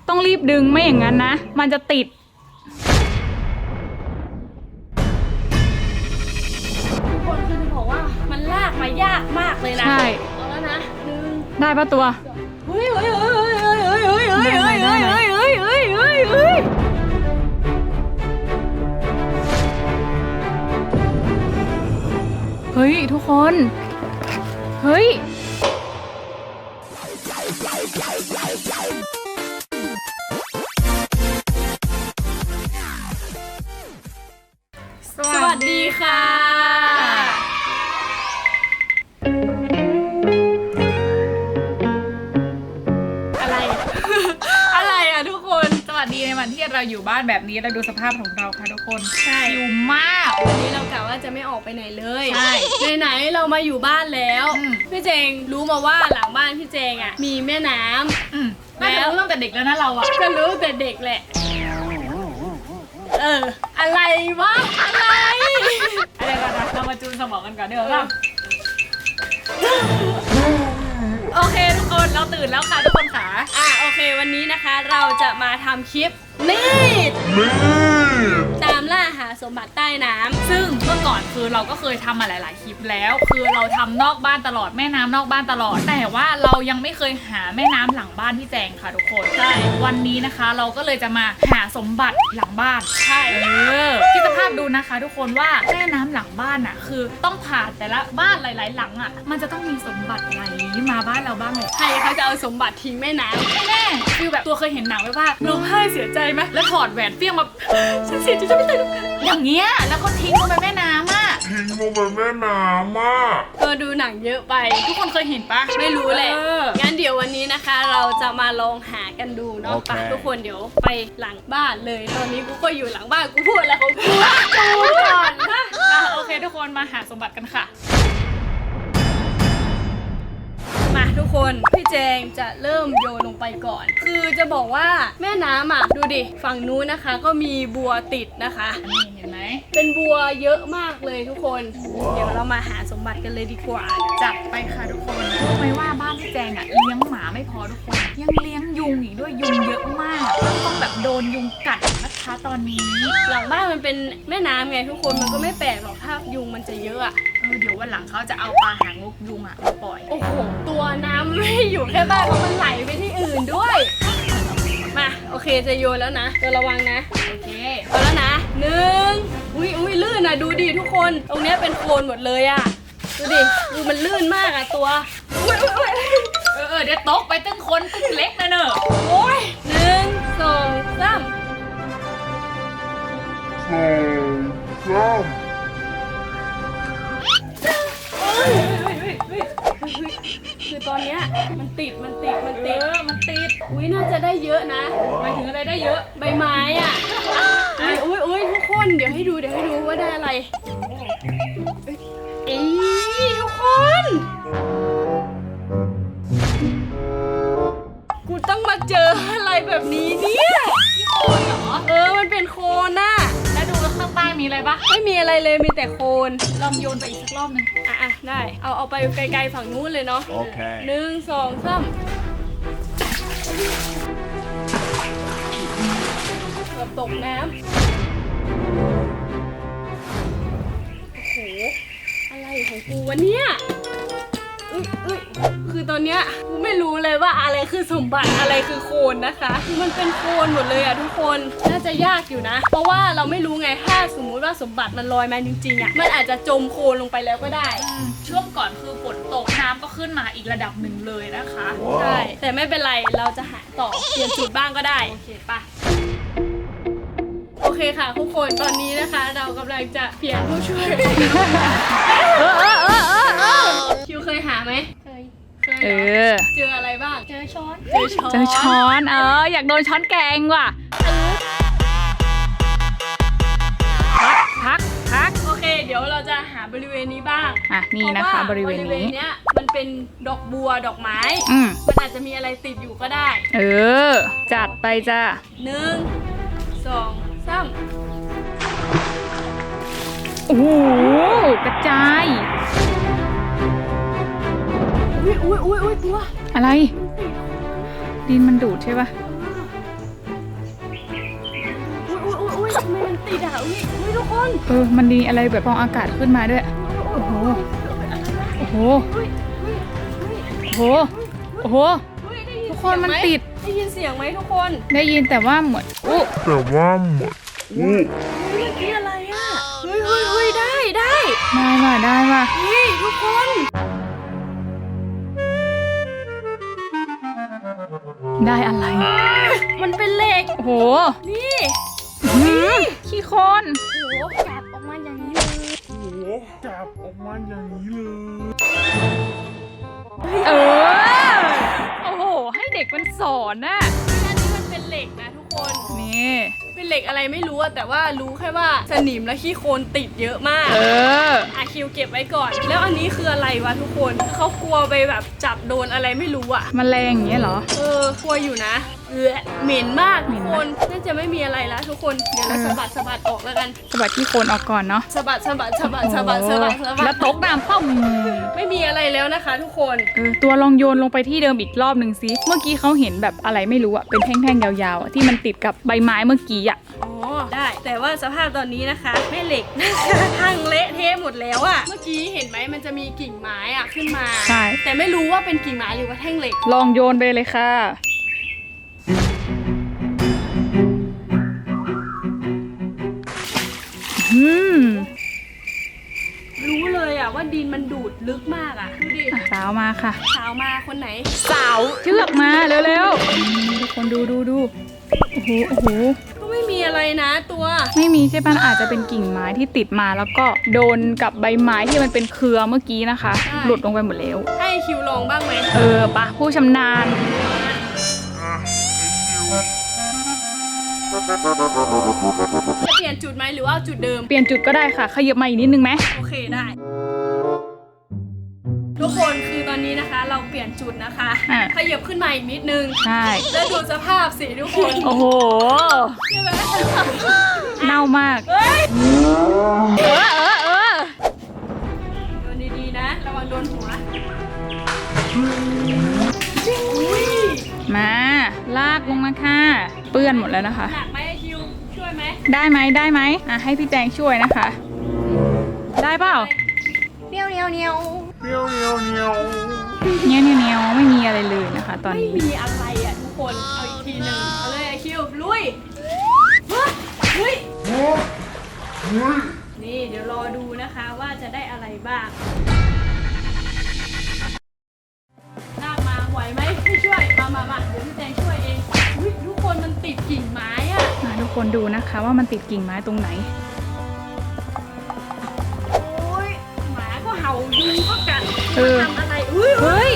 ต้องรีบดึงไม่อย่างนั้นนะมันจะติดทุกคนคือจะบอกว่ามันลากมายากมากเลยนะใช่เอาแล้วนะได้ปะตัวเฮ้ยเฮ้ยเฮ้ยเฮ้ยเฮ้ยเฮ้ยเฮ้ยเฮ้ยเฮ้ยเฮ้ยเฮ้ยเฮ้ยเฮ้ยเฮ้ยเฮ้ยทุกคนเฮ้ยสวัสดีค่ะอะไรอะไรอ่ะทุกคนสวัสดีในวันที่เราอยู่บ้านแบบนี้เราดูสภาพของเราค่ะทุกคนใช่อยู่มากวันนี้เรากะว่าจะไม่ออกไปไหนเลยใช่ไหนเรามาอยู่บ้านแล้วพี่เจงรู้มาว่าหลังบ้านพี่เจงอ่ะมีแม่น้ำน่าจะรู้ตั้งแต่เด็กแล้วนะเราอ่ะก็รู้แต่เด็กแหละอะไรวะอะไรก่อนนะเรามาจูนสมองกันก่อนเดี๋ยวเราโอเคทุกคนเราตื่นแล้วค่ะทุกคนค่ะโอเควันนี้นะคะเราจะมาทำคลิปนี่ตามล่าหาสมบัติใต้น้ำซึ่งเมื่อก่อนคือเราก็เคยทำมาหลายๆคลิปแล้วคือเราทำนอกบ้านตลอดแม่น้ำนอกบ้านตลอดแต่ว่าเรายังไม่เคยหาแม่น้ำหลังบ้านพี่แจงค่ะทุกคนใช่วันนี้นะคะเราก็เลยจะมาหาสมบัติหลังบ้านใช่คิดสภาพดูนะคะทุกคนว่าแม่น้ำหลังบ้านอ่ะคือต้องผ่านแต่ละบ้านหลายๆหลังอ่ะมันจะต้องมีสมบัติไหลมาบ้านเราบ้างเลยใครเขาจะเอาสมบัติทิ้งแม่น้ำไม่แน่คือแบบตัวเคยเห็นหนังไว้ว่าร้องไห้เสียใจไหมแล้วถอดแหวนเปี้ยงมาฉันเสียใจจะไม่ตายอย่างเงี้ยแล้วก็ทิ้งลงไปแม่น้ำอ่ะดูหนังเยอะไปทุกคนเคยเห็นปะไม่รู้แหละงั้นเดี๋ยววันนี้นะคะเราจะมาลองหากันดูเนาะไปทุกคนเดี๋ยวไปหลังบ้านเลยตอนนี้กูก็อยู่หลังบ้านกูพูดอะไรของกูก่อนนะโอเคทุกคนมาหาสมบัติกันค่ะมาทุกคนพี่แจงจะเริ่มโยนลงไปก่อนคือจะบอกว่าแม่น้ำอ่ะดูดิฝั่งนู้นนะคะก็มีบัวติดนะคะนี่เห็นไหมเป็นบัวเยอะมากเลยทุกคนเดี๋ยวเรามาหาสมบัติกันเลยดีกว่าจัดไปค่ะทุกคนรู้ไหมว่าบ้านพี่แจงอ่ะเลี้ยงหมาไม่พอทุกคนยังเลี้ยงยุงอีกด้วยยุงเยอะมากต้องแบบโดนยุงกัดนะคะตอนนี้หลังบ้านมันเป็นแม่น้ำไงทุกคนมันก็ไม่แปลกหรอกถ้ายุงมันจะเยอะอ่ะเดี๋ยววันหลังเขาจะเอาปลาหางนกยุงอ่ะมาปล่อยโอ้โหตัวน้ำไม่อยู่แค่บ้านเพราะมันไหลไปที่อื่นด้วยมาโอเคจะโยนแล้วนะตัวระวังนะโอเคเอาแล้วนะอุ้ยลื่นนะดูดิทุกคนตรงนี้เป็นโคลนหมดเลยอ่ะดูมันลื่นมากอ่ะตัวเดี๋ยวตกไปตึ้งคนตึ้งเล็กนะเนอะโอ้ย1 2 3คือตอนเนี้ยมันติดอุ้ยน่าจะได้เยอะนะหมายถึงอะไรได้เยอะใบไม้อ่ะอุ้ยทุกคนเดี๋ยวให้ดูว่าได้อะไรทุกคนกูต้องมาเจออะไรแบบนี้เนี่ยโคนเหรอมันเป็นโคนน่ะแล้วดูข้างใต้มีอะไรปะไม่มีอะไรเลยมีแต่โคนลองโยนไปอีกสักรอบนึงได้เอาไปไกลๆฝั่งนู้นเลยเนาะโอเค 1 2 3เกือบตกน้ำโอ้โหอะไรของกูวะเนี่ยคือตอนเนี้ยกูไม่รู้เลยว่าอะไรคือสมบัติอะไรคือโคลนนะคะคือมันเป็นโคลนหมดเลยอะทุกคนน่าจะยากอยู่นะเพราะว่าเราไม่รู้ไงถ้าสมมุติว่าสมบัติมันลอยมาจริงๆอะมันอาจจะจมโคลนลงไปแล้วก็ได้ช่วงก่อนคือฝนตกน้ำก็ขึ้นมาอีกระดับหนึ่งเลยนะคะใช่แต่ไม่เป็นไรเราจะหาต่อเปลี่ยนจุดบ้างก็ได้โอเคปะโอเคค่ะทุกคนตอนนี้นะคะเรากำลังจะเปลี่ยนผู้ช่วยคิวเคยหาไหมเคยเจออะไรบ้างเจอช้อนอยากโดนช้อนแกงว่ะพักโอเคเดี๋ยวเราจะหาบริเวณนี้บ้างนี่นะคะบริเวณนี้มันเป็นดอกบัวดอกไม้มันอาจจะมีอะไรติดอยู่ก็ได้จัดไปจ้ะ 1 2 3 โอ้โหกระจายอุ้ยตัวอะไรดินมันดูดใช่ปะทำไมมันติดอ่ะอุ้ยทุกคนมันมีอะไรแบบฟองอากาศขึ้นมาด้วยโอ้โหโอ้โหโอ้โหโอ้โหทุกคนมันติดได้ยินเสียงไหมทุกคนได้ยินแต่ว่าเหมือนเมื่อกี้อะไรอ่ะเฮ้ยได้ได้ว่ะเฮ้ยทุกคนได้อะไรมันเป็นเหล็กโอ้โหนี่ขี้โคลนโอ้โหจับออกมาอย่างนี้เลยโอ้โหให้เด็กมันสอนน่ะอันนี้มันเป็นเหล็กนะทุกคนนี่เป็นเหล็กอะไรไม่รู้อะแต่ว่ารู้แค่ว่าสนิมและขี้โคลนติดเยอะมากคิวเก็บไว้ก่อน แล้วอันนี้คืออะไรวะทุกคนเขากลัวไปแบบจับโดนอะไรไม่รู้อะแมลงอย่างเงี้ยเหรอกลัวอยู่นะเหม็นมากทุกคนน่าจะไม่มีอะไรแล้วทุกคนเดี๋ยวเราสะบัดออกแล้วกันสะบัดขี้โคลนออกก่อนเนาะสะบัดแล้วตกน้ำป้อมไม่มีอะไรแล้วนะคะทุกคนตัวลองโยนลงไปที่เดิมอีกรอบหนึ่งสิเมื่อกี้เขาเห็นแบบอะไรไม่รู้อะเป็นแท่งๆยาวๆอะที่มันติดกับใบไม้เมื่อกี้อะอ๋อได้แต่ว่าสภาพตอนนี้นะคะแม่เหล็กพังเละเทะหมดแล้วอะเมื่อกี้เห็นไหมมันจะมีกิ่งไม้อะขึ้นมาใช่แต่ไม่รู้ว่าเป็นกิ่งไม้หรือว่าแท่งเหล็กลองโยนไปเลยค่ะรู้เลยอะว่าดินมันดูดลึกมากอะดูดิสาวมาค่ะสาวมาคนไหนสาวเชือกมาเร็วๆทุกคนดูโอ้โหก็ไม่มีอะไรนะตัวไม่มีใช่ปะอาจจะเป็นกิ่งไม้ที่ติดมาแล้วก็โดนกับใบไม้ที่มันเป็นเครือเมื่อกี้นะคะหลุดลงไปหมดแล้วให้คิวลองบ้างไหมปะผู้ชำนาญจะเปลี่ยนจุดไหมหรือว่าจุดเดิมเปลี่ยนจุดก็ได้ค่ะขยับมาอีกนิดนึงไหมโอเคได้ทุกคนคือตอนนี้นะคะเราเปลี่ยนจุดนะคะขยับขึ้นมาอีกนิดนึงใช่แล้วดูสภาพสิทุกคนโอ้โหใช่ไหมเน่ามากโดนดีๆนะระวังโดนหัวมาลากลงมาค่ะเปื้อนหมดแล้วนะคะหนักไหมคิวช่วยไหมได้ไหมให้พี่แจงช่วยนะคะได้เปล่าเนียวไม่มีอะไรเลยนะคะตอนนี้ไม่มีอะไรอ่ะทุกคนเอาอีกทีหนึ่งเอาเลยคิวลุยนี่เดี๋ยวรอดูนะคะว่าจะได้อะไรบ้างลากมาไหวไหมพี่ช่วยมาเดี๋ยวพี่แจงช่วยเองทุกคนมันติดกิ่งไม้อ่ะทุกคนดูนะคะว่ามันติดกิ่งไม้ตรงไหนหมาก็เห่ายุงก็กัดทำอะไรเฮ้ย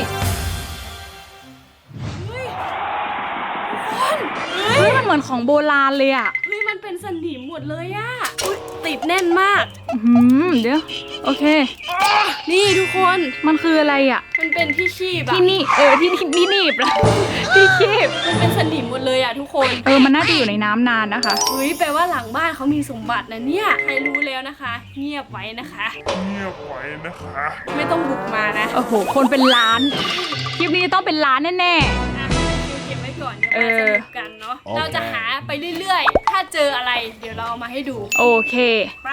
มันเหมือนของโบราณเลยอ่ะมันเป็นสนิมหมดเลยอ่ะติดแน่นมากเดี๋ยวโอเคนี่ทุกคนมันคืออะไรอ่ะมันเป็นที่คีบที่นี่ที่หนีบละที่คีบมันเป็นสนิมหมดเลยอ่ะทุกคนมันน่าจะอยู่ในน้ำนานนะคะแปลว่าหลังบ้านเขามีสมบัตินะเนี่ยใครรู้แล้วนะคะเงียบไว้นะคะไม่ต้องบุกมานะโอ้โหคนเป็นล้านคลิปนี้ต้องเป็นล้านแน่เก็บไว้ก่อนเดี๋ยวมาสนุกกันเนาะเราจะหาไปเรื่อยๆถ้าเจออะไรเดี๋ยวเราเอามาให้ดูโอเคไป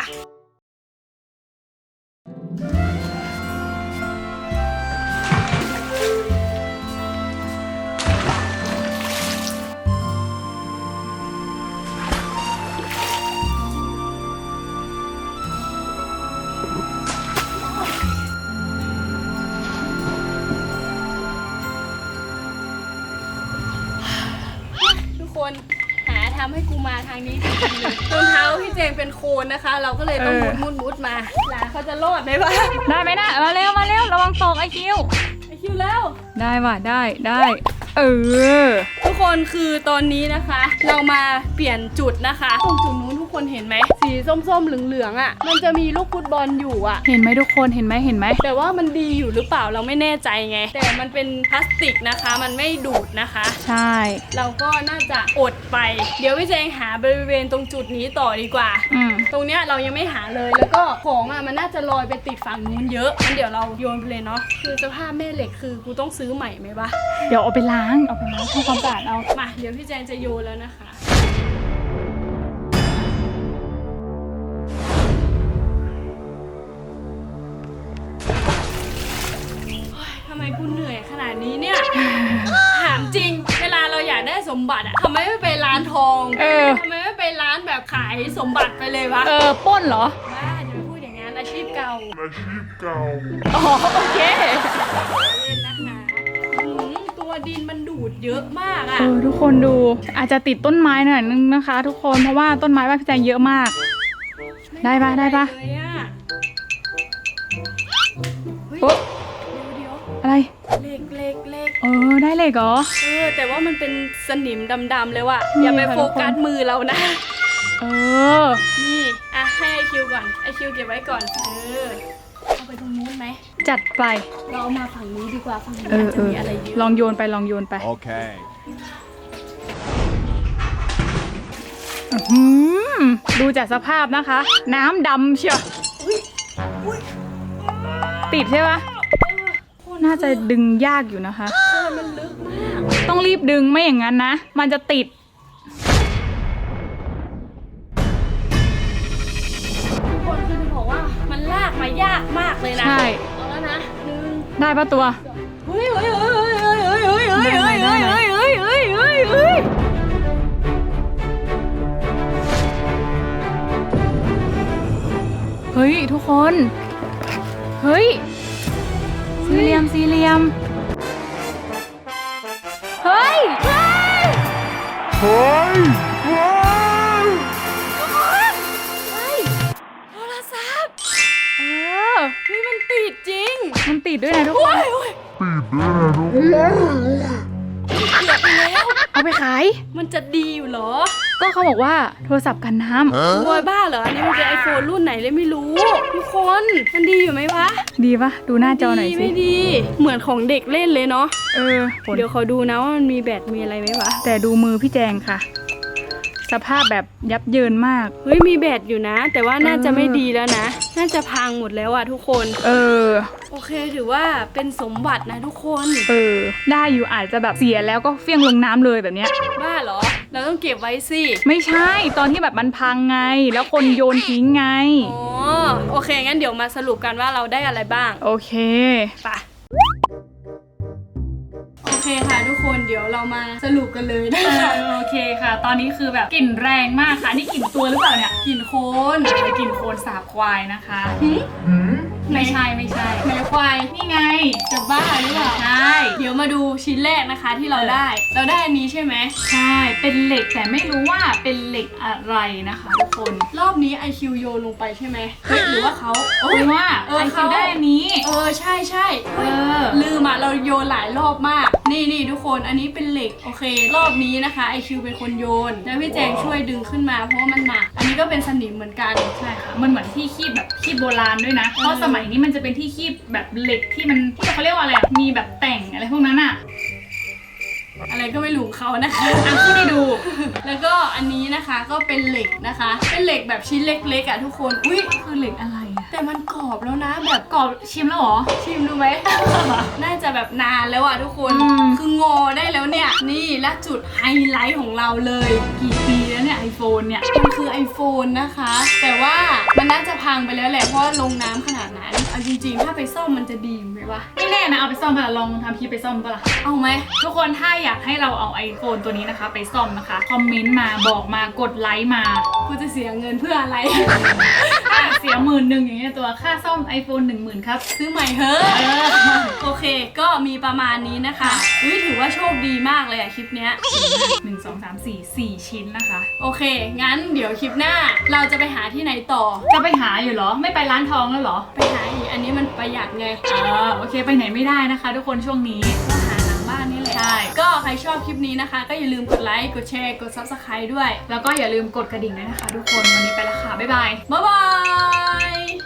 คนหาทำให้กูมาทางนี้จริงๆเลยรองเท้าพี่เจงเป็นโคนนะคะเราก็เลยต้องมุดมาหลานเขาจะรอดไหมวะได้ไหมนะมาเร็วระวังตกไอคิวแล้วได้ว่ะได้ทุกคนคือตอนนี้นะคะเรามาเปลี่ยนจุดนะคะตรงจุดนู้นทุกคนเห็นไหมสีส้มๆเหลืองๆอ่ะมันจะมีลูกฟุตบอลอยู่อ่ะเห็นไหมทุกคนเห็นไหมแต่ว่ามันดีอยู่หรือเปล่าเราไม่แน่ใจไงแต่มันเป็นพลาสติกนะคะมันไม่ดูดนะคะใช่เราก็น่าจะอดไปเดี๋ยวพี่แจงหาบริเวณตรงจุดนี้ต่อดีกว่าตรงเนี้ยเรายังไม่หาเลยแล้วก็ของอ่ะมันน่าจะลอยไปติดฝั่งนู้นเยอะงั้นเดี๋ยวเราโยนไปเลยเนาะคือสภาพแม่เหล็กคือกูต้องซื้อใหม่ไหมวะเดี๋ยวเอาไปล้างทำความสะอาดเอามาเดี๋ยวพี่แจงจะโยนแล้วนะคะกูเหนื่อยขนาดนี้เนี่ย ถามจริงเวลาเราอยากได้สมบัติอะทำไมไม่ไปร้านทองทำไมไม่ไปร้านแบบขายสมบัติไปเลยวะปล้นเหรอบ้าจะพูดอย่างนั้นอาชีพเก่าอ๋อโอเคเล่นนะคะตัวดินมันดูดเยอะมากอะทุกคนดูอาจจะติดต้นไม้หน่อยนึงนะคะ ทุกคนเพราะว่าต้นไม้บ้านพี่แจงเยอะมากได้ปะโอ๊ะอะไรเล็กได้เลยเหรอแต่ว่ามันเป็นสนิมดำๆเลยว่ะอย่าไปโฟกัสมือเรานะนี่ให้ไอคิวก่อนไอคิวเก็บไว้ก่อนเอาไปตรงนู้นไหมจัดไปเราเอามาฝั่งนี้ดีกว่าฝั่งนี้จะมีอะไรเยอะลองโยนไปโอเคดูจากสภาพนะคะน้ำดำเชียวติดใช่ปะน่าจะดึงยากอยู่นะคะมันลึกมากต้องรีบดึงไม่อย่างนั้นนะมันจะติดทุกคนคือจะบอกว่ามันลากมายากมากเลยนะใช่เอาแล้วนะได้ปะตัวเฮ้ยทุกคนเฮ้ยสี่เหลี่ยมเฮ้ยโทรศัพท์นี่มันติดจริงมันติดด้วยนะทุกคนเอาไปขายมันจะดีอยู่เหรอก็เขาบอกว่าโทรศัพท์กันน้ำโวยบ้าเหรออันนี้มันเป็นไอโฟนรุ่นไหนเลยไม่รู้ทุกคนมันดีอยู่ไหมวะดีปะดูหน้าจอหน่อยสิไม่ดีเหมือนของเด็กเล่นเลยเนาะเดี๋ยวขอดูนะว่ามันมีแบตมีอะไรไหมวะแต่ดูมือพี่แจงค่ะสภาพแบบยับเยินมากเฮ้ยมีแบตอยู่นะแต่ว่าน่าจะไม่ดีแล้วนะน่าจะพังหมดแล้วอะทุกคนโอเคถือว่าเป็นสมบัตินะทุกคนได้อยู่อาจจะแบบเสียแล้วก็เฟี้ยงลงน้ำเลยแบบเนี้ยบ้าเหรอเราต้องเก็บไว้สิไม่ใช่ตอนที่แบบมันพังไงแล้วคนโยนทิ้งไงโอเคงั้นเดี๋ยวมาสรุปกันว่าเราได้อะไรบ้างโอเคไปโอเคค่ะทุกคนเดี๋ยวเรามาสรุปกันเลยนะคะโอเคค่ะตอนนี้คือแบบกลิ่นแรงมากค่ะนี่กลิ่นตัวหรือเปล่าเนี่ยกลิ่นโคลนกลิ่นโคลนสาบควายนะคะไม่ใช่ไหนควายนี่ไงจะบ้าหรือเปล่าใช่เดี๋ยวมาดูชิ้นแรกนะคะที่เราได้อันนี้ใช่ไหมใช่เป็นเหล็กแต่ไม่รู้ว่าเป็นเหล็กอะไรนะคะทุกคนรอบนี้ IQ โยนลงไปใช่ไหมหรือว่าเขาว่า IQ ได้อันนี้ใช่ลืมเราโยนหลายรอบมากนี่ทุกคนอันนี้เป็นเหล็กโอเครอบนี้นะคะ IQ เป็นคนโยนแล้วพี่แจงช่วยดึงขึ้นมาเพราะว่ามันหนักอันนี้ก็เป็นสนิมเหมือนกันใช่ค่ะมันเหมือนที่คีบแบบคีบโบราณด้วยนะเพราะสมัยนี้มันจะเป็นที่คีบแบบเหล็กที่มันที่เขาเรียกว่าอะไรมีแบบแต่งอะไรพวกนั้นอะอะไรก็ไม่รู้เขานะคะที่ได้ดูแล้วก็อันนี้นะคะก็เป็นเหล็กนะคะเป็นเหล็กแบบชิ้นเล็กๆทุกคนคือเหล็กอะไรแต่มันกรอบแล้วนะแบบกรอบชิมแล้วหรอชิมดูไหม น่าจะแบบนานแล้วทุกคนคืองอได้แล้วเนี่ยนี่และจุดไฮไลท์ของเราเลยกี่ปีแล้วเนี่ย iPhone เนี่ยมันคือ iPhone นะคะแต่ว่ามันน่าจะพังไปแล้วแหละเพราะลงน้ำขนาดนั้นเอาจริงๆถ้าไปซ่อมมันจะดีไหมวะไม่แน่นะเอาไปซ่อมปะลองทำคลิปไปซ่อมปะล่ะเอาไหมทุกคนถ้าอยากให้เราเอา iPhone ตัวนี้นะคะไปซ่อมนะคะคอมเมนต์มาบอกมากดไลค์มากูจะเสียเงินเพื่ออะไรเสีย11,000อย่างเงี้ยตัวค่าซ่อม iPhone 10,000ครับซื้อใหม่เถอะโอเคก็มีประมาณนี้นะคะถือว่าโชคดีมากเลยคลิปเนี้ย 1 2 3 4 4 ชิ้นนะคะโอเคงั้นเดี๋ยวคลิปหน้าเราจะไปหาที่ไหนต่อจะไปหาอยู่เหรอไม่ไปร้านทองแล้วเหรอไปหาอีกอันนี้มันประหยัดไงโอเคไปไหนไม่ได้นะคะทุกคนช่วงนี้ก็หาหลังบ้านนี่แหละใช่ก็ใครชอบคลิปนี้นะคะก็อย่าลืมกดไลค์กดแชร์กด Subscribe ด้วยแล้วก็อย่าลืมกดกระดิ่งด้วยนะคะทุกคนวันนี้ไปละค่ะบ๊ายบาย